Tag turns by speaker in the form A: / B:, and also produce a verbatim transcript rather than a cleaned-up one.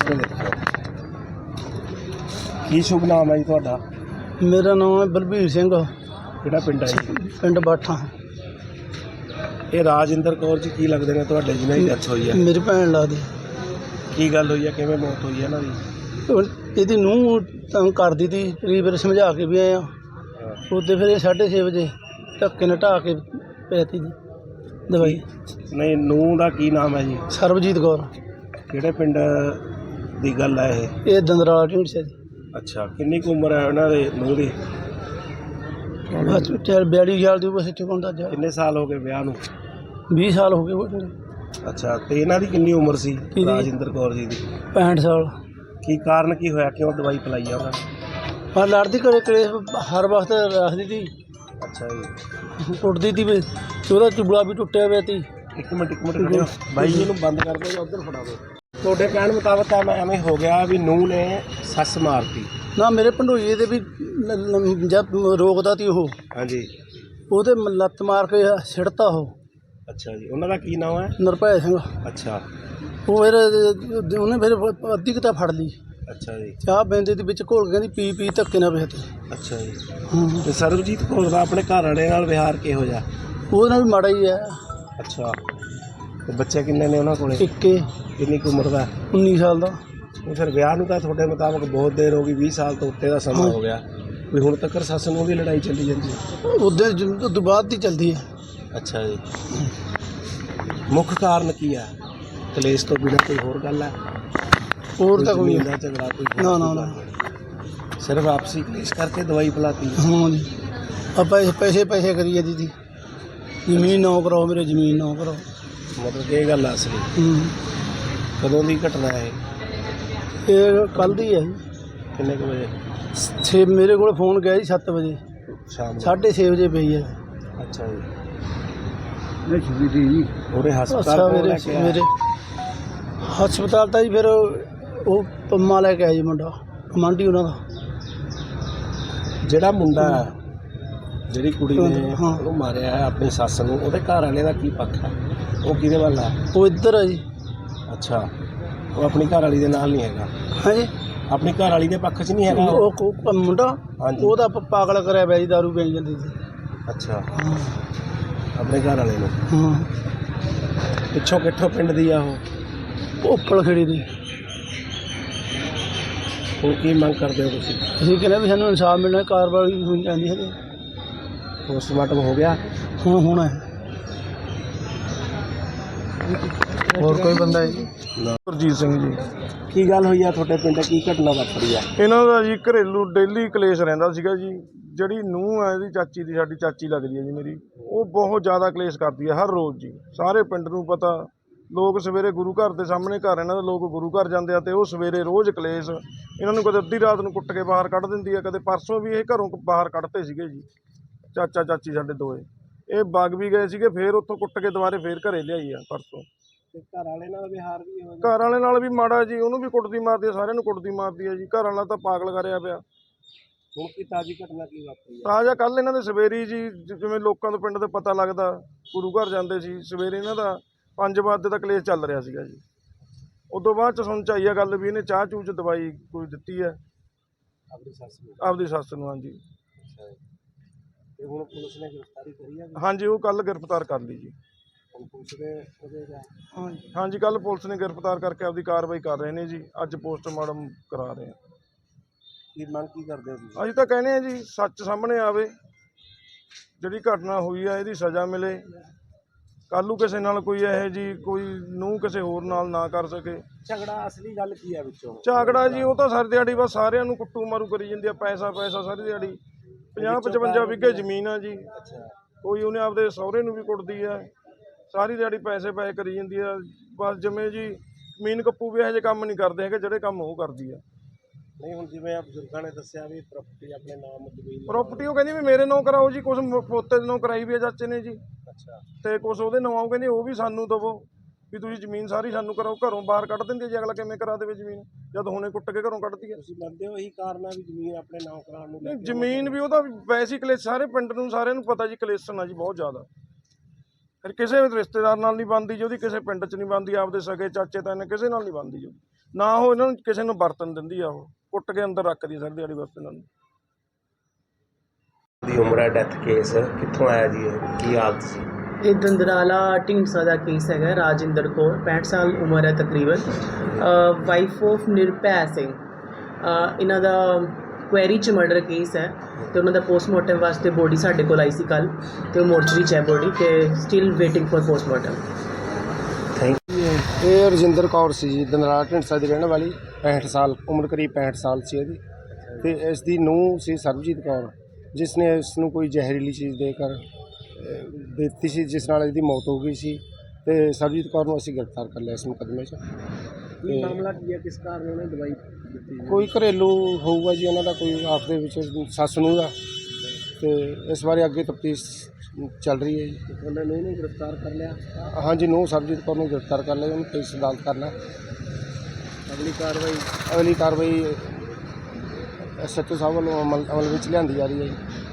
A: ਇੱਧਰ ਦੇਖੋ। ਕੀ ਸ਼ੁਭ ਨਾਮ ਹੈ ਜੀ ਤੁਹਾਡਾ?
B: मेरा नाम है बलबीर सिंह,
A: ਕਿਹੜਾ ਪਿੰਡ ਹੈ ਜੀ?
B: पिंड बाठा।
A: ਇਹ ਰਾਜਿੰਦਰ ਕੌਰ ਜੀ ਕੀ ਲੱਗਦੇ ਨੇ ਤੁਹਾਡੇ ਜਿਹਨਾਂ ਦੀ ਡੈਥ ਹੋਈ ਹੈ?
B: मेरी भैन लगदी।
A: ਕੀ ਗੱਲ ਹੋਈ ਹੈ, ਕਿਵੇਂ ਮੌਤ ਹੋਈ ਹੈ ਇਹਨਾਂ ਦੀ?
B: ਇਹਦੀ ਨੂੰਹ ਤੰਗ ਕਰਦੀ ਤੀ, ਕਈ ਵਾਰ ਸਮਝਾ ਕੇ ਵੀ ਆਏ ਆ। ਉਹਦੇ ਫਿਰ ਇਹ ਸਾਢੇ ਛੇ ਵਜੇ ਧੱਕੇ ਨਾਲ ਢਾਹ ਕੇ ਪੈਤੀ ਜੀ ਦਵਾਈ।
A: ਨਹੀਂ, ਨੂੰਹ ਦਾ ਕੀ ਨਾਮ ਹੈ ਜੀ?
B: ਸਰਬਜੀਤ ਕੌਰ।
A: ਕਿਹੜੇ ਪਿੰਡ ਦੀ ਗੱਲ ਹੈ ਇਹ?
B: ਇਹ ਦੰਦਰਾਲਾ ਢੀਂਡਸੇ ਦੀ।
A: ਅੱਛਾ, ਕਿੰਨੀ ਕੁ ਉਮਰ ਹੈ ਉਹਨਾਂ ਦੇ ਨੂੰਹ ਦੀ?
B: ਬਸ ਚਾਰ ਬਿਆਲੀ ਸਾਲ ਦੀ ਬਸ ਇੱਥੇ ਹੁੰਦਾ ਜਾ।
A: ਕਿੰਨੇ ਸਾਲ ਹੋ ਗਏ ਵਿਆਹ ਨੂੰ?
B: ਵੀਹ ਸਾਲ ਹੋ ਗਏ ਉਹ।
A: ਅੱਛਾ, ਤੇ ਇਹਨਾਂ ਦੀ ਕਿੰਨੀ ਉਮਰ ਸੀ
B: ਕਿਹਦੀ?
A: ਰਾਜਿੰਦਰ ਕੌਰ ਜੀ ਦੀ?
B: ਪੈਂਹਠ ਸਾਲ।
A: ਕੀ ਕਾਰਨ ਕੀ ਹੋਇਆ, ਕਿਉਂ ਦਵਾਈ ਪਿਲਾਈ ਆ ਉਹਨਾਂ ਨੇ?
B: ਹਾਂ, ਲੜਦੀ ਘਰੇ ਕਲੇਸ਼ ਹਰ ਵਕਤ ਰੱਖਦੀ ਤੀ,
A: ਅੱਛਾ ਜੀ।
B: ਕੁੱਟਦੀ ਤੀ ਵੀ, ਉਹਦਾ ਚੁਬਲਾ ਵੀ ਟੁੱਟਿਆ ਪਿਆ ਤੀ।
A: ਇੱਕ ਮਿੰਟ ਇੱਕ ਮਿੰਟ ਖੜਿਓ ਬਾਈ ਜੀ, ਨੂੰ ਬੰਦ ਕਰ ਦਿਓ ਜਾਂ ਉੱਧਰ ਫੜਾ ਦਿਓ। ਤੁਹਾਡੇ ਕਹਿਣ ਮੁਤਾਬਕ ਤਾਂ ਮੈਂ ਐਵੇਂ ਹੋ ਗਿਆ ਵੀ ਨੂੰਹ ਨੇ ਸੱਸ ਮਾਰਤੀ?
B: ਨਾ, ਮੇਰੇ ਭੰਡੋਈਏ ਦੇ ਵੀ ਲ- ਲ- ਜਦ ਰੋਕਦਾ ਤੀ ਉਹ,
A: ਹਾਂਜੀ।
B: ਉਹਦੇ ਮ- ਲੱਤ ਮਾਰ ਕੇ ਸਿੱਟਤਾ ਉਹ।
A: ਅੱਛਾ ਜੀ, ਉਹਨਾਂ ਦਾ ਕੀ ਨਾਮ ਹੈ?
B: ਨਿਰਭੈ ਸਿੰਘ।
A: ਅੱਛਾ
B: ਉਹ ਫਿਰ ਉਹਨੇ ਫਿਰ ਅੱਧੀ ਕਿਤਾ ਫੜ ਲਈ।
A: ਅੱਛਾ ਜੀ।
B: ਚਾਹ ਬੈਂਦੇ ਦੇ ਵਿੱਚ ਘੋਲ ਕੇ ਕਹਿੰਦੀ ਪੀ ਪੀ ਧੱਕੇ ਨਾਲ ਵੇਚ।
A: ਅੱਛਾ ਜੀ।
B: ਹਾਂ,
A: ਤੇ ਸਰਬਜੀਤ ਕੌਰ ਦਾ ਆਪਣੇ ਘਰ ਵਾਲੇ ਨਾਲ ਵਿਹਾਰ ਕਿਹੋ ਜਿਹਾ?
B: ਉਹਦੇ ਨਾਲ ਵੀ ਮਾੜਾ ਹੀ ਹੈ।
A: ਅੱਛਾ, ਤੇ ਬੱਚੇ ਕਿੰਨੇ ਨੇ ਉਹਨਾਂ ਕੋਲੇ?
B: ਇੱਕੇ
A: ਕਿੰਨੀ ਕੁ ਉਮਰ ਦਾ?
B: ਉੱਨੀ ਸਾਲ ਦਾ।
A: ਉਹ ਫਿਰ ਵਿਆਹ ਨੂੰ ਤਾਂ ਤੁਹਾਡੇ ਮੁਤਾਬਕ ਬਹੁਤ ਦੇਰ ਹੋ ਗਈ, ਵੀਹ ਸਾਲ ਤੋਂ ਉੱਤੇ ਦਾ ਸਮਾਂ ਹੋ ਗਿਆ, ਵੀ ਹੁਣ ਤੱਕ ਸੱਸ ਨੂੰ ਦੀ ਲੜਾਈ ਚੱਲੀ ਜਾਂਦੀ ਹੈ?
B: ਉਹਦੇ ਤੋਂ ਬਾਅਦ ਦੀ ਚੱਲਦੀ ਹੈ।
A: ਅੱਛਾ ਜੀ। ਮੁੱਖ ਕਾਰਨ ਕੀ ਹੈ? ਕਲੇਸ਼ ਤੋਂ ਬਿਨਾਂ ਕੋਈ ਹੋਰ ਗੱਲ ਹੈ?
B: ਹੋਰ ਤਾਂ ਕੋਈ
A: ਜ਼ਮੀਨ ਦਾ ਝਗੜਾ ਕੋਈ ਹੋਰ
B: ਨਾ ਨਾ
A: ਕੋਈ
B: ਨਾ।
A: ਗੱਲ? ਸਿਰਫ ਆਪਸੀ ਕਲੇਸ਼ ਕਰਕੇ ਦਵਾਈ ਪਿਲਾਤੀ?
B: ਹਾਂ ਜੀ, ਆਪਾਂ ਪੈਸੇ ਪੈਸੇ ਕਰੀਏ ਦੀਦੀ, ਜ਼ਮੀਨ ਨਾ ਕਰਾਓ ਮੇਰੇ, ਜ਼ਮੀਨ ਨਾ ਕਰਾਓ।
A: ਮਤਲਬ ਇਹ ਗੱਲ ਆ ਅਸਲੀ?
B: ਹੂੰ,
A: ਕਦੋਂ ਦੀ ਘਟਨਾ ਹੈ?
B: ਇਹ ਕੱਲ੍ਹ ਦੀ ਹੈ ਜੀ।
A: ਕਿੰਨੇ ਕੁ ਵਜੇ?
B: ਛੇ ਮੇਰੇ ਕੋਲ ਫੋਨ ਗਿਆ ਜੀ ਸੱਤ ਵਜੇ,
A: ਸ਼ਾਮ ਨੂੰ?
B: ਸਾਢੇ ਛੇ ਵਜੇ ਪਈ ਹੈ।
A: ਅੱਛਾ ਜੀ।
B: ਜੀ
A: ਉਹਦੇ ਹਸਪਤਾਲ
B: ਅੱਛਾ,
A: ਕੋਲ
B: ਮੇਰੇ
A: ਲੈ ਕੇ ਆਇਆ?
B: ਮੇਰੇ ਹਸਪਤਾਲ ਤਾਂ ਜੀ ਫਿਰ ਉਹ ਪੰਮਾ ਲੈ ਕੇ ਆਇਆ ਜੀ, ਮੁੰਡਾ ਕਮਾਂਡੀ ਉਹਨਾਂ ਦਾ।
A: ਜਿਹੜਾ ਮੁੰਡਾ, ਜਿਹੜੀ ਕੁੜੀ ਨੇ
B: ਹਾਂ।
A: ਉਹਨੂੰ ਮਾਰਿਆ ਹੈ ਆਪਣੀ ਸੱਸ ਨੂੰ, ਉਹਦੇ ਘਰ ਵਾਲੇ ਦਾ ਕੀ ਪੱਖ ਹੈ? ਉਹ ਕਿਹਦੇ ਵੱਲ ਆ?
B: ਉਹ ਇੱਧਰ ਹੈ ਜੀ।
A: ਅੱਛਾ, ਉਹ ਆਪਣੀ ਘਰ ਵਾਲੀ ਦੇ ਨਾਲ ਨਹੀਂ ਹੈਗਾ?
B: ਹਾਂਜੀ,
A: ਆਪਣੀ ਘਰ ਵਾਲੀ ਦੇ ਪੱਖ 'ਚ ਨਹੀਂ ਹੈਗਾ ਉਹ?
B: ਉਹ ਉਹ ਮੁੰਡਾ
A: ਹਾਂਜੀ।
B: ਉਹਦਾ ਪ- ਪਾਗਲ ਕਰਿਆ ਪਿਆ ਜੀ, ਦਾਰੂ ਪੀ ਜਾਂਦੀ ਸੀ।
A: ਅੱਛਾ,
B: ਹਾਂ
A: ਆਪਣੇ ਘਰ ਵਾਲੇ ਨੂੰ?
B: ਹਾਂ,
A: ਪਿੱਛੋਂ ਕਿੱਥੋਂ ਪਿੰਡ ਦੀ ਆ ਉਹ?
B: ਉੱਪਲ ਖੜੀ ਦੀ।
A: ਹੁਣ ਕੀ ਮੰਗ ਕਰਦੇ ਹੋ ਤੁਸੀਂ?
B: ਅਸੀਂ ਕਹਿੰਦੇ ਵੀ ਸਾਨੂੰ ਇਨਸਾਫ ਮਿਲਣਾ, ਕਾਰਵਾਈ ਹੋਣੀ ਚਾਹੀਦੀ ਹੈ।
A: ਪੋਸਟਮਾਰਟਮ ਹੋ ਗਿਆ?
B: ਹੁਣ ਹੋਣਾ ਹੈ।
C: ਹੋਰ ਕੋਈ ਬੰਦਾ ਹੈ ਜੀ?
A: ਨਾ।
C: ਗੁਰਜੀਤ ਸਿੰਘ ਜੀ।
A: ਕੀ ਗੱਲ ਹੋਈ ਆ ਤੁਹਾਡੇ ਪਿੰਡ? ਕੀ ਘਟਨਾ ਵਾਪਰੀ ਆ?
C: ਇਹਨਾਂ ਦਾ ਜੀ ਘਰੇਲੂ ਡੇਲੀ ਕਲੇਸ਼ ਰਹਿੰਦਾ ਸੀਗਾ ਜੀ। ਜਿਹੜੀ ਨੂੰਹ ਹੈ ਇਹਦੀ ਚਾਚੀ ਦੀ, ਸਾਡੀ ਚਾਚੀ ਲੱਗਦੀ ਹੈ ਜੀ ਮੇਰੀ, ਉਹ ਬਹੁਤ ਜ਼ਿਆਦਾ ਕਲੇਸ਼ ਕਰਦੀ ਹੈ ਹਰ ਰੋਜ਼ ਜੀ। ਸਾਰੇ ਪਿੰਡ ਨੂੰ ਪਤਾ, ਲੋਕ ਸਵੇਰੇ ਗੁਰੂ ਘਰ ਦੇ ਸਾਹਮਣੇ ਘਰ ਇਹਨਾਂ ਦੇ, ਲੋਕ ਗੁਰੂ ਘਰ ਜਾਂਦੇ ਆ, ਤੇ ਉਹ ਸਵੇਰੇ ਰੋਜ਼ ਕਲੇਸ਼। ਇਹਨਾਂ ਨੂੰ ਕਦੇ ਅੱਧੀ ਰਾਤ ਨੂੰ ਕੁੱਟ ਕੇ ਬਾਹਰ ਕੱਢ ਦਿੰਦੀ ਹੈ, ਕਦੇ ਪਰਸੋਂ ਵੀ ਇਹ ਘਰੋਂ ਬਾਹਰ ਕੱਢਤੇ ਸੀਗੇ ਜੀ, ਚਾਚਾ ਚਾਚੀ ਸਾਡੇ ਦੋਏ। ਇਹ ਵਗ ਵੀ ਗਏ ਸੀਗੇ, ਫੇਰ ਉੱਥੋਂ ਕੁੱਟ ਕੇ ਦੁਬਾਰੇ ਫੇਰ ਘਰੇ ਲਿਆਈ ਆ ਪਰਸੋਂ।
A: ਤੇ ਘਰ ਵਾਲੇ ਨਾਲ ਵਿਹਾਰ ਵੀ ਹੋ
C: ਘਰ ਵਾਲੇ ਨਾਲ ਵੀ ਮਾੜਾ ਜੀ, ਉਹਨੂੰ ਵੀ ਕੁੱਟਦੀ ਮਾਰਦੀ ਆ, ਸਾਰਿਆਂ ਨੂੰ ਕੁੱਟਦੀ ਮਾਰਦੀ ਆ ਜੀ। ਘਰ ਵਾਲਾ ਤਾਂ ਪਾਗਲ ਕਰਿਆ ਪਿਆ।
A: ਹੁਣ ਕੀ ਤਾਜ਼ੀ ਘਟਨਾ ਕੀ ਵਾਪਰੀ ਆ?
C: ਤਾਜ਼ਾ ਕੱਲ੍ਹ ਇਹਨਾਂ ਦੇ ਸਵੇਰੀ ਜੀ, ਜਿਵੇਂ ਲੋਕਾਂ ਤੋਂ ਪਿੰਡ ਦੇ ਪਤਾ ਲੱਗਦਾ, ਗੁਰੂ ਘਰ ਜਾਂਦੇ ਸੀ ਸਵੇਰੇ, ਇਹਨਾਂ ਦਾ ਪੰਜ ਵਜੇ ਤੱਕ ਕਲੇਸ਼ ਚੱਲ ਰਿਹਾ ਸੀਗਾ ਜੀ। ਉਦੋਂ ਬਾਅਦ ਚ ਸੁਣ ਚ ਆਈ ਆ ਗੱਲ ਵੀ ਇਹਨੇ ਚਾਹ ਚੂਹ ਚ ਦਵਾਈ ਕੋਈ ਦਿੱਤੀ ਹੈ
A: ਆਪਣੀ ਸੱਸ ਨੂੰ?
C: ਆਪਦੀ ਸੱਸ ਨੂੰ। ਹਾਂਜੀ।
A: ਅੱਛਾ ਜੀ। ਤੇ ਹੁਣ ਪੁਲਿਸ ਨੇ ਗ੍ਰਿਫਤਾਰੀ ਕਰੀ ਆ?
C: ਹਾਂਜੀ, ਉਹ ਕੱਲ੍ਹ ਗ੍ਰਿਫਤਾਰ ਕਰ ਲਈ ਜੀ।
A: ਹੁਣ ਪੁਲਿਸ ਦੇ ਉਹਦੇ ਦਾ?
B: ਹਾਂਜੀ,
C: ਹਾਂਜੀ, ਕੱਲ੍ਹ ਪੁਲਿਸ ਨੇ ਗ੍ਰਿਫਤਾਰ ਕਰਕੇ ਆਪਦੀ ਕਾਰਵਾਈ ਕਰ ਰਹੇ ਨੇ ਜੀ। ਅੱਜ ਪੋਸਟਮਾਰਟਮ ਕਰਾ ਰਹੇ ਆ।
A: ਕੀ ਮੰਗ ਕੀ ਕਰਦੇ ਹੋ ਤੁਸੀਂ?
C: ਅਸੀਂ ਤਾਂ ਕਹਿੰਦੇ ਆ ਜੀ, ਸੱਚ ਸਾਹਮਣੇ ਆਵੇ, ਜਿਹੜੀ ਘਟਨਾ ਹੋਈ ਆ ਇਹਦੀ ਸਜ਼ਾ ਮਿਲੇ। ਕੱਲ੍ਹ ਨੂੰ ਕਿਸੇ ਨਾਲ ਕੋਈ ਇਹੋ ਜੀ ਕੋਈ ਨੂੰਹ ਕਿਸੇ ਹੋਰ ਨਾਲ ਨਾ ਕਰ ਸਕੇ।
A: ਝਗੜਾ ਅਸਲੀ ਗੱਲ ਕੀ ਆ ਵਿੱਚੋਂ?
C: ਝਾਗੜਾ ਜੀ, ਉਹ ਤਾਂ ਸਾਰੀ ਦਿਹਾੜੀ ਬਸ ਸਾਰਿਆਂ ਨੂੰ ਕੁੱਟੂ ਮਾਰੂ ਕਰੀ ਜਾਂਦੀ ਆ, ਪੈਸਾ ਪੈਸਾ ਸਾਰੀ ਦਿਹਾੜੀ। ਪੰਜਾਹ ਪਚਵੰਜਾ ਵਿਗੇ ਜ਼ਮੀਨ ਆ ਜੀ।
A: ਅੱਛਾ।
C: ਕੋਈ ਉਹਨੇ ਆਪਦੇ ਸਹੁਰੇ ਨੂੰ ਵੀ ਕੁੱਟਦੀ ਆ, ਸਾਰੀ ਦਿਹਾੜੀ ਪੈਸੇ ਪੈਸੇ ਕਰੀ ਜਾਂਦੀ ਆ। ਬਸ ਜਿਵੇਂ ਜੀ ਜ਼ਮੀਨ ਕੱਪੂ ਵੀ ਇਹੋ ਜਿਹੇ ਕੰਮ ਨਹੀਂ ਕਰਦੇ ਹੈਗੇ ਜਿਹੜੇ ਕੰਮ ਉਹ ਕਰਦੀ ਆ।
A: ਨਹੀਂ, ਹੁਣ ਜਿਵੇਂ ਆ ਬਜ਼ੁਰਗਾਂ ਨੇ ਦੱਸਿਆ ਵੀ ਪ੍ਰਾਪਰਟੀ ਆਪਣੇ ਨਾਮ ਜ਼ਮੀਨ
C: ਪ੍ਰਾਪਰਟੀ ਉਹ ਕਹਿੰਦੀ ਵੀ ਮੇਰੇ ਨਾਂ ਕਰਾਓ ਜੀ, ਕੁਛ ਪੋਤੇ ਦੇ ਨਾਂ ਕਰਾਈ ਵੀ ਆ ਚਾਚੇ ਨੇ ਜੀ,
A: ਅੱਛਾ।
C: ਤੇ ਕੁਛ ਉਹਦੇ ਨਾਂ ਉਹ ਕਹਿੰਦੇ ਉਹ ਵੀ ਸਾਨੂੰ ਦੇਵੋ, ਵੀ ਤੁਸੀਂ ਜ਼ਮੀਨ ਸਾਰੀ ਸਾਨੂੰ ਕਰਾਓ। ਘਰੋਂ ਬਾਹਰ ਕੱਢ ਦਿੰਦੇ ਜੀ, ਅਗਲਾ ਕਿਵੇਂ ਕਰਾ ਦੇਵੇ ਜ਼ਮੀਨ ਜਦ ਹੁਣੇ ਕੁੱਟ ਕੇ ਘਰੋਂ ਕੱਢਦੀ ਹੈ?
A: ਤੁਸੀਂ ਮੰਨਦੇ ਹੋ ਇਹੀ ਕਾਰਨ ਆ ਵੀ ਜ਼ਮੀਨ ਆਪਣੇ ਨਾਮ ਕਰਾਉਣ ਨੂੰ?
C: ਨਹੀਂ, ਜ਼ਮੀਨ ਵੀ ਉਹਦਾ ਵੈਸੇ ਹੀ ਕਲੇਸ਼, ਸਾਰੇ ਪਿੰਡ ਨੂੰ ਸਾਰਿਆਂ ਨੂੰ ਪਤਾ ਜੀ ਕਲੇਸ਼ਨ ਆ ਜੀ ਬਹੁਤ ਜ਼ਿਆਦਾ। ਫਿਰ ਕਿਸੇ ਰਿਸ਼ਤੇਦਾਰ ਨਾਲ ਨਹੀਂ ਬਣਦੀ ਜੀ ਉਹਦੀ, ਕਿਸੇ ਪਿੰਡ 'ਚ ਨਹੀਂ ਬਣਦੀ, ਆਪਦੇ ਸਕੇ ਚਾਚੇ ਤਾਏ ਕਿਸੇ ਨਾਲ ਨਹੀਂ ਬਣਦੀ ਜੀ। ਨਾ ਉਹ ਇਹਨਾਂ ਨੂੰ ਕਿਸੇ ਨੂੰ ਵਰਤਨ ਦਿੰਦੀ ਆ, ਉਹ ਕੁੱਟ ਕੇ ਅੰਦਰ ਰੱਖਦੀ ਸਾਰੀ ਦਿਹਾੜੀ ਬਸ ਇਹਨਾਂ ਨੂੰ।
A: ਦੀ ਉਮਰ ਹੈ, ਡੈਥ ਕੇਸ ਕਿੱਥੋਂ ਆਇਆ ਜੀ, ਇਹ ਕੀ ਹਾਲਤ ਸੀ?
D: ਇਹ ਦੰਦਰਾਲਾ ਢੀਂਡਸਾ ਦਾ ਕੇਸ ਹੈਗਾ। ਰਾਜਿੰਦਰ ਕੌਰ ਪੈਂਹਠ ਸਾਲ ਉਮਰ ਹੈ ਤਕਰੀਬਨ, ਵਾਈਫ ਆਫ ਨਿਰਭੈ ਸਿੰਘ। ਅ, ਇਹਨਾਂ ਦਾ ਕੁਐਰੀ 'ਚ ਮਰਡਰ ਕੇਸ ਹੈ ਅਤੇ ਉਹਨਾਂ ਦਾ ਪੋਸਟਮਾਰਟਮ ਵਾਸਤੇ ਬੋਡੀ ਸਾਡੇ ਕੋਲ ਆਈ ਸੀ ਕੱਲ੍ਹ, ਅਤੇ ਉਹ ਮੋਰਚਰੀ 'ਚ ਹੈ ਬੋਡੀ, ਅਤੇ still waiting for postmortem.
A: Thank
E: ਇਹ ਰਜਿੰਦਰ ਕੌਰ ਸੀ ਜੀ, ਦੰਦਰਾਲਾ ਢੀਂਡਸਾ ਦੀ ਰਹਿਣ ਵਾਲੀ, ਪੈਂਹਠ ਸਾਲ ਉਮਰ, ਕਰੀਬ ਪੈਂਹਠ ਸਾਲ ਸੀ ਇਹਦੀ। ਅਤੇ ਇਸ ਦੀ ਨੂੰਹ ਸੀ ਸਰਬਜੀਤ ਕੌਰ, ਜਿਸ ਨੇ ਇਸ ਨੂੰ ਕੋਈ ਜ਼ਹਿਰੀਲੀ ਚੀਜ਼ ਦੇ ਕਰ ਅਹ, ਦਿੱਤੀ ਸੀ, ਜਿਸ ਨਾਲ ਇਹਦੀ ਮੌਤ ਹੋ ਗਈ ਸੀ। ਅਤੇ ਸਰਬਜੀਤ ਕੌਰ ਨੂੰ ਅਸੀਂ ਗ੍ਰਿਫਤਾਰ ਕਰ ਲਿਆ ਇਸ ਮੁਕੱਦਮੇ 'ਚ।
A: ਕੀ ਮਾਮਲਾ ਕੀ ਹੈ, ਕਿਸ ਕਾਰਨ ਉਹਨੇ ਦਵਾਈ ਦਿੱਤੀ?
E: ਕੋਈ ਘਰੇਲੂ ਹੋਊਗਾ ਜੀ ਉਹਨਾਂ ਦਾ, ਕੋਈ ਆਪਸ ਦੇ ਵਿੱਚ ਸੱਸ ਨੂੰਹ ਦਾ, ਅਤੇ ਇਸ ਬਾਰੇ ਅੱਗੇ ਤਫਤੀਸ਼ ਚੱਲ ਰਹੀ ਹੈ ਜੀ।
A: ਉਹਨਾਂ ਨੂੰ ਇਹਨੂੰ ਗ੍ਰਿਫਤਾਰ ਕਰ ਲਿਆ,
E: ਹਾਂਜੀ, ਨੂੰਹ ਸਰਬਜੀਤ ਕੌਰ ਨੂੰ ਗ੍ਰਿਫਤਾਰ ਕਰ ਲਿਆ, ਉਹਨੂੰ ਪੁਲਿਸ ਅਦਾਲਤ ਕਰਨਾ।
A: ਅਗਲੀ ਕਾਰਵਾਈ
E: ਅਗਲੀ ਕਾਰਵਾਈ ਐਸ ਐਚ ਓ ਸਾਹਿਬ ਵੱਲੋਂ ਅਮਲ ਅਮਲ ਵਿੱਚ ਲਿਆਂਦੀ ਜਾ ਰਹੀ ਹੈ ਜੀ।